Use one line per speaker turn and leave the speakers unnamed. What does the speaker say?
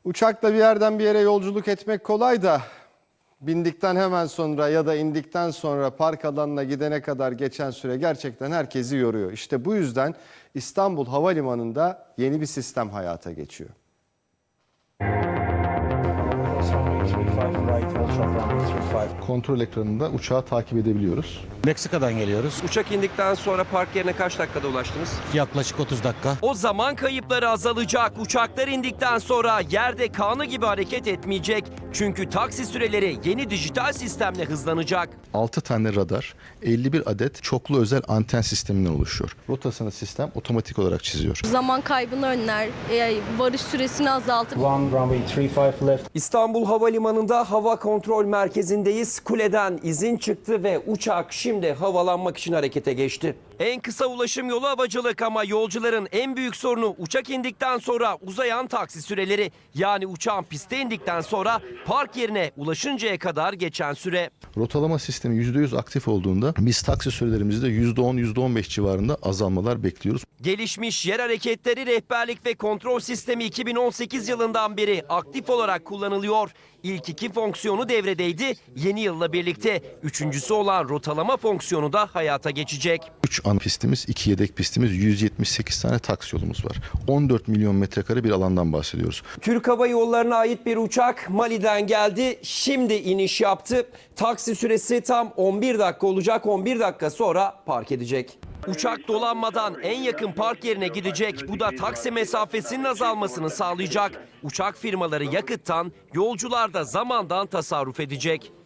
Uçakla bir yerden bir yere yolculuk etmek kolay da bindikten hemen sonra ya da indikten sonra park alanına gidene kadar geçen süre gerçekten herkesi yoruyor. İşte bu yüzden İstanbul Havalimanı'nda yeni bir sistem hayata geçiyor.
Kontrol ekranında uçağı takip edebiliyoruz.
Meksika'dan geliyoruz.
Uçak indikten sonra park yerine kaç dakikada ulaştınız?
Yaklaşık 30 dakika.
O zaman kayıpları azalacak. Uçaklar indikten sonra yerde kanı gibi hareket etmeyecek. Çünkü taksi süreleri yeni dijital sistemle hızlanacak.
6 tane radar, 51 adet çoklu özel anten sisteminden oluşuyor. Rotasını sistem otomatik olarak çiziyor.
Zaman kaybını önler, varış süresini azaltır.
İstanbul Havalimanı'nda hava kontrol merkezindeyiz. Kuleden izin çıktı ve uçak şimdi havalanmak için harekete geçti. En kısa ulaşım yolu havacılık ama yolcuların en büyük sorunu uçak indikten sonra uzayan taksi süreleri. Yani uçağın piste indikten sonra park yerine ulaşıncaya kadar geçen süre.
Rotalama sistemi %100 aktif olduğunda biz taksi sürelerimizde %10, %15 civarında azalmalar bekliyoruz.
Gelişmiş yer hareketleri rehberlik ve kontrol sistemi 2018 yılından beri aktif olarak kullanılıyor. İlk 2 fonksiyonu devredeydi. Yeni yılla birlikte üçüncüsü olan rotalama fonksiyonu da hayata geçecek.
3 ana pistimiz, 2 yedek pistimiz, 178 tane taksi yolumuz var. 14 milyon metrekare bir alandan bahsediyoruz.
Türk Hava Yolları'na ait bir uçak Mali'den geldi. Şimdi iniş yaptı. Taksi süresi tam 11 dakika olacak. 11 dakika sonra park edecek. Uçak dolanmadan en yakın park yerine gidecek. Bu da taksi mesafesinin azalmasını sağlayacak. Uçak firmaları yakıttan, yolcular da zamandan tasarruf edecek.